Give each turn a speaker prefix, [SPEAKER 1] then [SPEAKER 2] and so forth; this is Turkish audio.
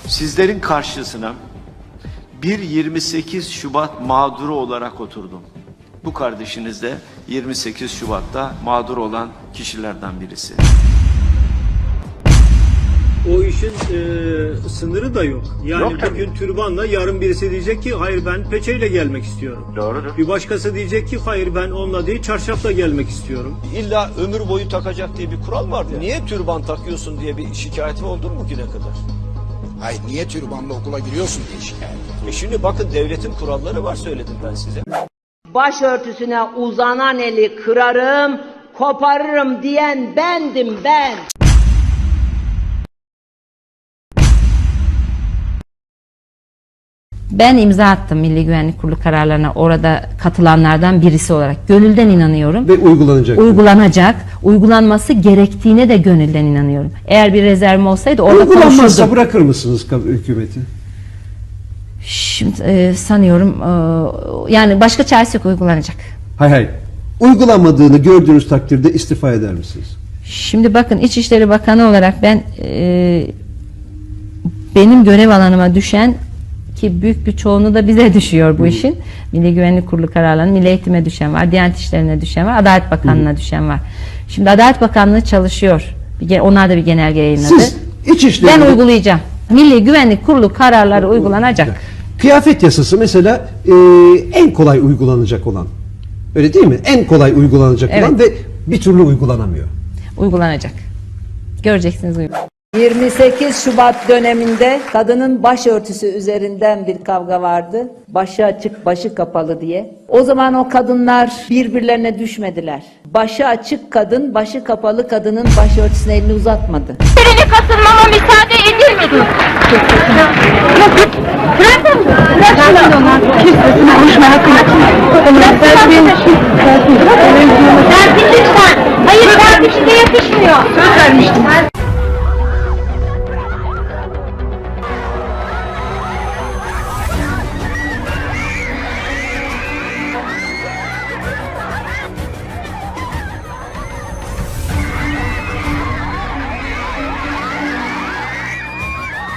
[SPEAKER 1] Sizlerin karşısına bir 28 Şubat mağduru olarak oturdum. Bu kardeşiniz de 28 Şubat'ta mağdur olan kişilerden birisi.
[SPEAKER 2] O işin sınırı da yok. Yani
[SPEAKER 1] Yok
[SPEAKER 2] bugün türbanla, yarın birisi diyecek ki hayır ben peçeyle gelmek istiyorum.
[SPEAKER 1] Doğrudur.
[SPEAKER 2] Bir başkası diyecek ki hayır ben onunla değil çarşafla gelmek istiyorum.
[SPEAKER 3] İlla ömür boyu takacak diye bir kural var. Niye türban takıyorsun diye bir şikayeti oldu mu bugüne kadar?
[SPEAKER 4] Hayır, niye türbanla okula giriyorsun diye şikayet.
[SPEAKER 3] Şimdi bakın devletin kuralları var, söyledim ben size.
[SPEAKER 5] Başörtüsüne uzanan eli kırarım, koparırım diyen bendim ben.
[SPEAKER 6] Ben imza attım Milli Güvenlik Kurulu kararlarına, orada katılanlardan birisi olarak. Gönülden inanıyorum.
[SPEAKER 7] Ve uygulanacak.
[SPEAKER 6] Uygulanacak. Uygulanması gerektiğine de gönülden inanıyorum. Eğer bir rezervim olsaydı orada
[SPEAKER 7] Uygulanmazsa
[SPEAKER 6] konuşurdum.
[SPEAKER 7] bırakır mısınız hükümeti?
[SPEAKER 6] Şimdi sanıyorum yani başka çaresi yok, uygulanacak.
[SPEAKER 7] Hayır. Uygulanmadığını gördüğünüz takdirde istifa eder misiniz?
[SPEAKER 6] Şimdi bakın, İçişleri Bakanı olarak ben benim görev alanıma düşen, ki büyük bir çoğunluğu da bize düşüyor bu işin. Milli Güvenlik Kurulu kararlarının Milli Eğitim'e düşen var, Diyanet İşleri'ne düşen var, Adalet Bakanlığı'na düşen var. Şimdi Adalet Bakanlığı çalışıyor. Onlar da bir genelge yayınladı.
[SPEAKER 7] Siz İçişleri...
[SPEAKER 6] Ben uygulayacağım. Milli Güvenlik Kurulu kararları uygulanacak.
[SPEAKER 7] Kıyafet yasası mesela en kolay uygulanacak olan. Öyle değil mi? En kolay uygulanacak
[SPEAKER 6] Evet.
[SPEAKER 7] olan ve bir türlü uygulanamıyor.
[SPEAKER 6] Uygulanacak. Göreceksiniz uygulanacak.
[SPEAKER 5] 28 Şubat döneminde kadının başörtüsü üzerinden bir kavga vardı. Başı açık, başı kapalı diye. O zaman o kadınlar birbirlerine düşmediler. Başı açık kadın, başı kapalı kadının başörtüsüne elini uzatmadı.
[SPEAKER 8] Birini katılmama müsaade edilmedi. Dersin lütfen. Hayır, dersin size yakışmıyor. Söz vermiştim.